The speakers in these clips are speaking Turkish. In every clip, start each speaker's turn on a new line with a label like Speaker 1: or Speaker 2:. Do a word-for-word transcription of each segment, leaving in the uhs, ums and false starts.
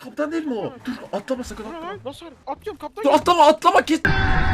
Speaker 1: Kaptan değil mi o? Dur atlama sakın
Speaker 2: Dur
Speaker 1: atlama.
Speaker 2: lan nasıl? Atlıyorum kaptan.
Speaker 1: Dur atlama atlama kes.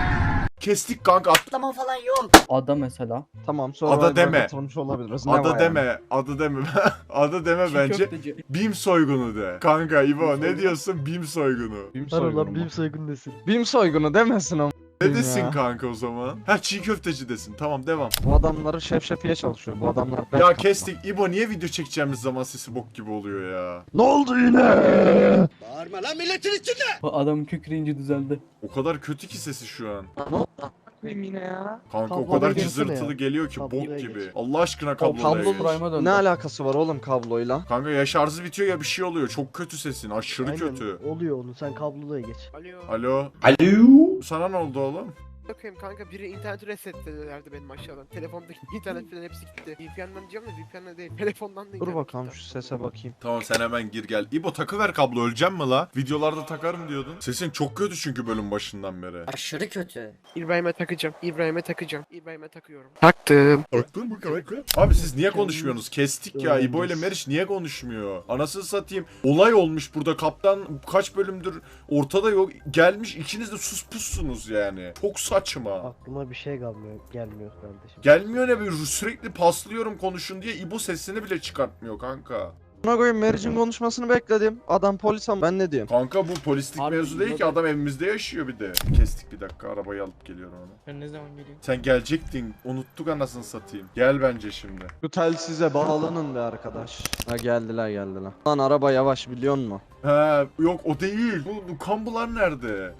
Speaker 1: Kestik kanka at.
Speaker 3: Atlama falan yok.
Speaker 4: Ada mesela.
Speaker 5: Tamam sonra
Speaker 1: Ada deme.
Speaker 5: katılmış olabiliriz. Ne
Speaker 1: Adı
Speaker 5: var
Speaker 1: deme.
Speaker 5: yani?
Speaker 1: Adı deme. Adı deme
Speaker 4: Çiğ
Speaker 1: bence.
Speaker 4: köfteci.
Speaker 1: Bim soygunu de. Kanka İbo ne diyorsun? Bim soygunu.
Speaker 5: Bim
Speaker 6: Var
Speaker 5: soygunu
Speaker 6: ulan
Speaker 5: mu?
Speaker 6: bim soygun desin.
Speaker 5: Bim soygunu demesin ama.
Speaker 1: Ne desin
Speaker 5: ya.
Speaker 1: kanka o zaman? Ha çiğ köfteci desin. Tamam devam.
Speaker 5: Bu adamları şef şefiye çalışıyor. Bu adamlar...
Speaker 1: Ya kestik. İbo niye video çekeceğimiz zaman sesi bok gibi oluyor ya?
Speaker 5: Ne oldu yine?
Speaker 3: Bağırma lan milletin içinde.
Speaker 4: Bu adamın kükreyince düzeldi.
Speaker 1: O kadar kötü ki sesi şu an.
Speaker 5: Ne oldu? Yine ya.
Speaker 1: Kanka o
Speaker 6: Kabloya
Speaker 1: kadar
Speaker 6: geçsene
Speaker 1: cızırtılı
Speaker 6: ya.
Speaker 1: geliyor ki
Speaker 6: Kabloya
Speaker 1: bok
Speaker 6: geç.
Speaker 1: gibi. Allah aşkına kabloya
Speaker 5: Kablo
Speaker 1: geç.
Speaker 4: Prime'a döndü.
Speaker 5: Ne alakası var oğlum kabloyla?
Speaker 1: Kanka ya şarjı bitiyor ya bir şey oluyor. Çok kötü sesin. Aşırı
Speaker 6: Aynen,
Speaker 1: kötü.
Speaker 6: oluyor onu sen kabloya geç.
Speaker 2: Alo.
Speaker 1: Alo. Alo. Sana ne oldu oğlum?
Speaker 2: Bakayım kanka biri interneti resetledilerdi benim aşağıdan. Telefondaki internet falan hepsi gitti. V P N'den diyeceğim de V P N'den değil. Telefondan da
Speaker 5: Dur
Speaker 2: internet
Speaker 5: bakalım
Speaker 2: gitti.
Speaker 5: şu sese bakayım.
Speaker 1: Tamam sen hemen gir gel. İbo takıver kablo öleceğim mi la? Videolarda takarım diyordun. Sesin çok kötü çünkü bölüm başından beri.
Speaker 3: Aşırı kötü.
Speaker 2: İbrahim'e takacağım. İbrahim'e takacağım. İbrahim'e takıyorum. Taktım.
Speaker 1: Taktın mı kanka? Abi siz niye konuşmuyorsunuz? Kestik ya. İbo ile Meriç niye konuşmuyor? Anasını satayım. Olay olmuş burada. Kaptan kaç bölümdür ortada yok. Gelmiş ikiniz de sus pussunuz yani. Çok saçma.
Speaker 6: Aklıma bir şey gelmiyor, gelmiyor kardeşim.
Speaker 1: Gelmiyor ne bir sürekli paslıyorum konuşun diye İbo sesini bile çıkartmıyor kanka.
Speaker 5: Buna koyayım Meriç'in konuşmasını bekledim. Adam polis ama ben ne diyeyim?
Speaker 1: Kanka bu polislik
Speaker 4: Harbi
Speaker 1: mevzu değil ki
Speaker 4: İbo da-
Speaker 1: adam evimizde yaşıyor bir de. Kestik bir dakika arabayı alıp geliyorum ona.
Speaker 4: Ben ne zaman geleyim?
Speaker 1: Sen gelecektin unuttuk anasını satayım. Gel bence şimdi.
Speaker 5: Şu telsize bağlanın be arkadaş. Ha geldiler geldiler. Lan araba yavaş biliyor musun?
Speaker 1: He yok o değil. Bu, bu kambular nerede?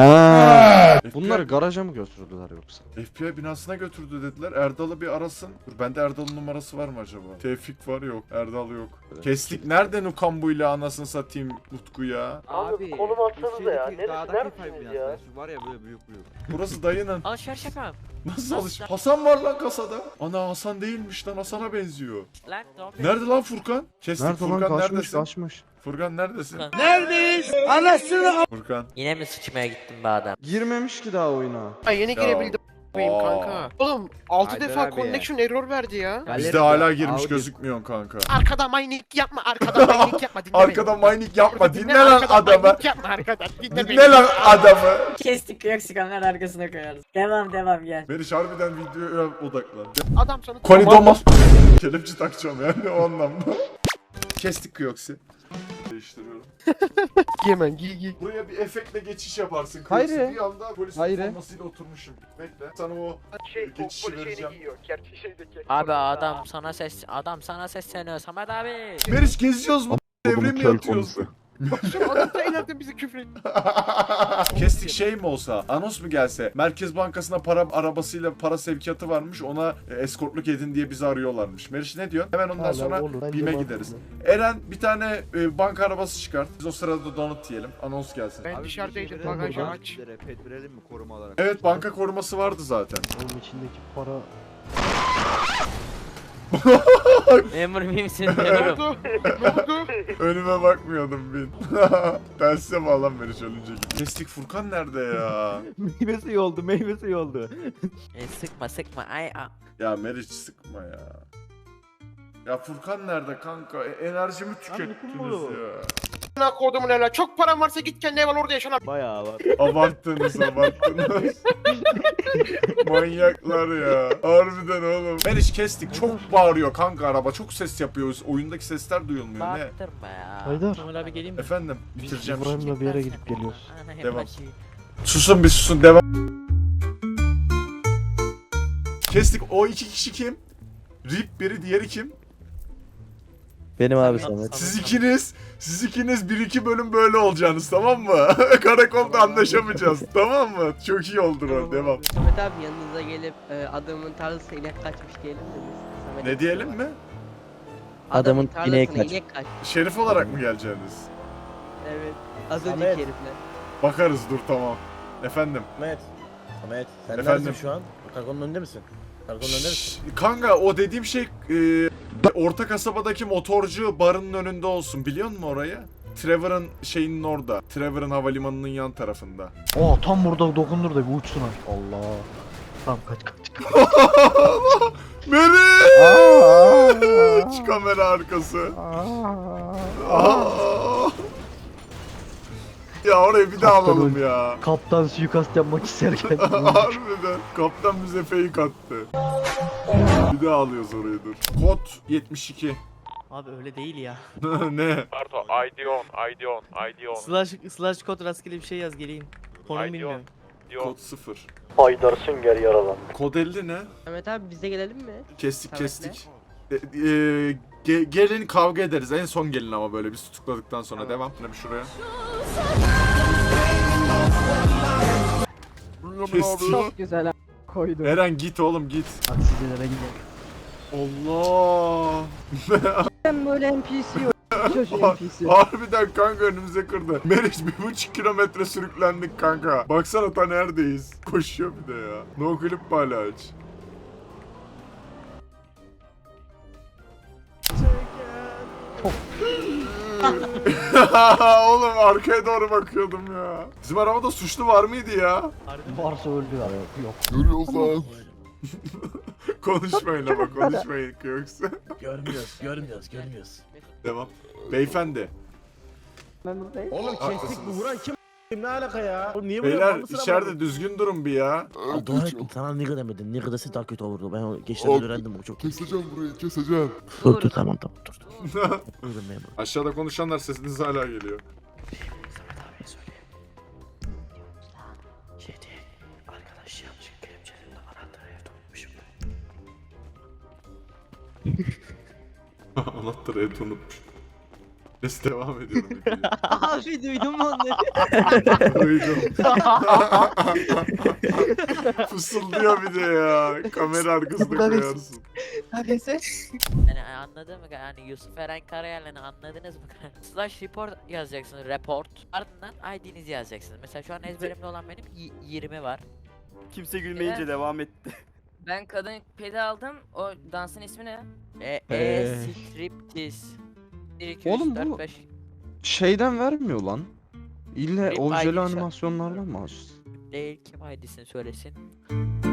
Speaker 5: Ha.
Speaker 1: F B I
Speaker 5: Bunları garaja mı götürdüler yoksa?
Speaker 1: F B I binasına götürdü dediler. Erdal'ı bir arasın. Dur bende Erdal'ın numarası var mı acaba? Tevfik var yok. Erdal yok. Kestik. Nerede Nukambu ile anasını satayım Utku ya?
Speaker 7: Abi konum atsanıza ya. Neresi neredesiniz ya?
Speaker 8: Var ya böyle büyük büyük.
Speaker 1: Burası dayının.
Speaker 7: Alışveriş yapalım.
Speaker 1: Nasıl alış? Hasan var lan kasada. Ana Hasan değilmiş lan Hasan'a benziyor.
Speaker 7: Lan doğru.
Speaker 1: Nerede lan Furkan? Kestik
Speaker 5: Nerede lan
Speaker 1: Furkan
Speaker 5: kaçmış
Speaker 1: neredesin?
Speaker 5: kaçmış.
Speaker 1: Furkan neredesin?
Speaker 7: Furkan.
Speaker 3: Neredeyiz? Anasını.
Speaker 1: Furkan.
Speaker 7: Yine mi sıçmaya gittin be adam?
Speaker 5: Girmemiş ki daha oyuna.
Speaker 2: Ay yeni
Speaker 1: Ya.
Speaker 2: girebildim. Benim
Speaker 1: Aa.
Speaker 2: kanka. Oğlum altı
Speaker 8: Haydar
Speaker 2: defa
Speaker 8: abi.
Speaker 2: connection error verdi ya.
Speaker 1: Bizde hala girmiş gözükmüyorsun kanka.
Speaker 2: Arkada mining yapma, arkada mining yapma. Dinle
Speaker 1: Arkada
Speaker 2: beni.
Speaker 1: mining yapma.
Speaker 2: Dinle,
Speaker 1: Dinle lan
Speaker 2: arkada
Speaker 1: adamı.
Speaker 2: mining yapma arkadan. Dinle,
Speaker 1: Dinle lan adamı.
Speaker 3: Kestik yok kamera arkasına koyarız. Devam devam gel.
Speaker 1: Meriç harbiden videoya odaklan.
Speaker 2: Adam sana
Speaker 1: Koni Domal. Kelepçe takacağım yani o anlamda. Kestik Kyoksi. Değiştiriyorum.
Speaker 2: Giy hemen giy giy.
Speaker 1: Buraya bir efektle geçiş yaparsın.
Speaker 5: Hayır.
Speaker 1: Kyoksi bir anda polis
Speaker 5: Hayır.
Speaker 1: formasıyla oturmuşum. Bekle. Sana o
Speaker 2: Şey,
Speaker 1: geçişi vereceğim.
Speaker 2: giyiyor. Gerçi şeydeki.
Speaker 7: Abi adam sana ses adam sana sesleniyor Samet abi.
Speaker 1: Meriç geziyoruz mu? Devre mi yatıyoruz?
Speaker 2: Şu adam da ileriden bizi küfür etti.
Speaker 1: Kestik şey mi olsa, anons mu gelse, Merkez Bankası'na para arabasıyla para sevkiyatı varmış, ona e, eskortluk edin diye bizi arıyorlarmış. Meriç ne diyorsun? Hemen ondan
Speaker 6: Hala
Speaker 1: sonra
Speaker 6: olur, bence
Speaker 1: BİM'e
Speaker 6: mantıklı.
Speaker 1: gideriz. Eren bir tane e, banka arabası çıkart. Biz o sırada donut yiyelim. Anons gelsin.
Speaker 2: Ben dışarıdaydım, bagajı aç.
Speaker 8: Pet verelim mi koruma olarak?
Speaker 1: Evet banka koruması vardı zaten.
Speaker 6: Onun içindeki para...
Speaker 7: Memur miyimsin
Speaker 2: Ne
Speaker 7: memurum?
Speaker 2: oldu? Ne oldu?
Speaker 1: Önüme bakmıyordum bin. Telsize bağlan Meriç ölünce gibi. Kestik Furkan nerede ya?
Speaker 8: Meyve suyu oldu, meyve suyu oldu.
Speaker 7: E, sıkma sıkma ay a.
Speaker 1: Ya Meriç sıkma ya. Ya Furkan nerede kanka? E, enerjimi tükettiniz ya.
Speaker 2: Ne kodumun hele. Çok param varsa git kendi ev al orada yaşan.
Speaker 8: Bayağı var.
Speaker 1: Abarttınız abarttınız. Manyaklar ya. Harbiden oğlum. Meriç kestik. Çok bağırıyor kanka araba. Çok ses yapıyoruz. Oyundaki sesler duyulmuyor. Ne?
Speaker 7: Baktırma ya.
Speaker 6: Haydar.
Speaker 4: Kemal abi geleyim mi?
Speaker 1: Efendim bitireceğim şimdi.
Speaker 6: İbrahim'le bir yere gidip geliyoruz.
Speaker 7: Ana, hep
Speaker 1: Devam.
Speaker 7: başı.
Speaker 1: Susun bir susun devam. Kestik. O iki kişi kim? Rip biri diğeri kim?
Speaker 6: Benim abi
Speaker 7: Samet.
Speaker 1: Siz ikiniz, siz ikiniz bir iki bölüm böyle olacaksınız tamam mı? Karakolda anlaşamayacağız tamam mı? Çok iyi oldu o devam.
Speaker 9: Samet abi yanınıza gelip e, adamın tarlasına inek kaçmış diyelim mi biz? Samet
Speaker 1: Ne
Speaker 9: abi.
Speaker 1: diyelim mi?
Speaker 9: Adamın
Speaker 6: Adamın ineği
Speaker 9: tarlasına
Speaker 6: kaç-
Speaker 9: inek kaçmış.
Speaker 1: Şerif olarak mı geleceksiniz?
Speaker 9: Evet. Az önceki
Speaker 8: Samet.
Speaker 9: herifler.
Speaker 1: Bakarız dur tamam. Efendim.
Speaker 8: Samet. Samet. Sen
Speaker 1: Efendim?
Speaker 8: neredesin şu an? Karakolun önünde misin? Karakolun önünde misin?
Speaker 1: Şşş, kanka o dediğim şey e, orta kasabadaki motorcu barının önünde olsun biliyor musun orayı? Trevor'ın şeyinin orada. Trevor'ın havalimanının yan tarafında.
Speaker 6: Oo tam burada dokundur da bir uçsun ha. Allah. Tamam kaç kaç.
Speaker 1: Meriç! Kamera arkası. Aa! Ya orayı bir daha
Speaker 6: Kaptan
Speaker 1: alalım
Speaker 6: öldü.
Speaker 1: ya.
Speaker 6: Kaptan suikast yapmak isterken.
Speaker 1: Harbiden. Kaptan bize fake attı. Bir daha alıyoruz orayı dur. Kod yetmiş iki.
Speaker 10: Abi öyle değil ya.
Speaker 1: Ne?
Speaker 11: Pardon, I D on, I D on, I D on.
Speaker 10: Slash, slash kod rastgele bir şey yaz geleyim. Konum
Speaker 11: Ay,
Speaker 10: bilmiyorum.
Speaker 1: Kod sıfır.
Speaker 6: Haydar Sünger yaralan.
Speaker 1: Kod elli ne?
Speaker 9: Ahmet abi bize gelelim mi?
Speaker 1: Kestik
Speaker 9: Samet'le.
Speaker 1: kestik. E, e, ge- gelin kavga ederiz. En son gelin ama böyle biz tutukladıktan sonra.
Speaker 9: Tamam.
Speaker 1: Devam. Ne bir şuraya. Kestik.
Speaker 3: Çok güzel koydum.
Speaker 1: Eren git oğlum git.
Speaker 6: Taksicilere gidelim.
Speaker 1: Allah.
Speaker 3: Ben böyle N P C yok. Çocuğu N P C.
Speaker 1: Harbiden kanka önümüze kırdı. Meriç bir buçuk kilometre sürüklendik kanka. Baksana ta neredeyiz. Koşuyor bir de ya. No clip hala aç. Oğlum arkaya doğru bakıyordum ya. Bizim arabada suçlu var mıydı ya?
Speaker 6: Varsa öldü ya. Yok.
Speaker 1: Konuşmayın ama konuşmayın yoksa.
Speaker 8: Görmüyoruz, görmüyoruz, görmüyoruz.
Speaker 1: Devam. Beyefendi.
Speaker 3: Ben buradayım.
Speaker 8: Oğlum kestik bu
Speaker 1: Haklısınız.
Speaker 8: vuran kim? Kim ne alaka ya? Oğlum niye vuruyor?
Speaker 1: Beyler
Speaker 8: Bana sıra
Speaker 1: içeride
Speaker 8: bana.
Speaker 1: düzgün durun bir ya.
Speaker 8: Aa, Dua et sana nigga demedin. Nigga dese daha kötü olurdu. Ben o geçten öğrendim bu çok.
Speaker 11: Keseceğim burayı, keseceğim.
Speaker 8: Dur dur tamam tamam dur. dur. Buyurun memur.
Speaker 1: Aşağıda konuşanlar sesiniz hala geliyor.
Speaker 10: Samet abiye söyle. Şey diye. Arkadaş yanlış kelepçelerinde anahtarı evde unutmuşum.
Speaker 1: Anahtarı et unutmuş. Neyse devam ediyorum. videoya.
Speaker 9: Abi duydun mu onları?
Speaker 1: Duydum. Fısıldıyor bir de ya. Kamera arkasında koyarsın.
Speaker 7: Yani anladın mı? Yani Yusuf Eren Karayel'ini anladınız mı? Slash report yazacaksınız. Report. Ardından I D'nizi yazacaksınız. Mesela şu an ezberimde olan benim y- yirmi var.
Speaker 10: Kimse gülmeyince devam etti.
Speaker 9: Ben kadın pedi aldım. O dansın ismi ne?
Speaker 7: E, e
Speaker 5: Ee.
Speaker 7: striptiz. bir, iki,
Speaker 5: Oğlum
Speaker 7: üç, dört,
Speaker 5: bu-
Speaker 7: beş.
Speaker 5: Şeyden vermiyor lan. İlle
Speaker 7: Benim
Speaker 5: objeli
Speaker 7: ayrıca-
Speaker 5: animasyonlarla mı açsın?
Speaker 7: Değil, kim I D'sini söylesin.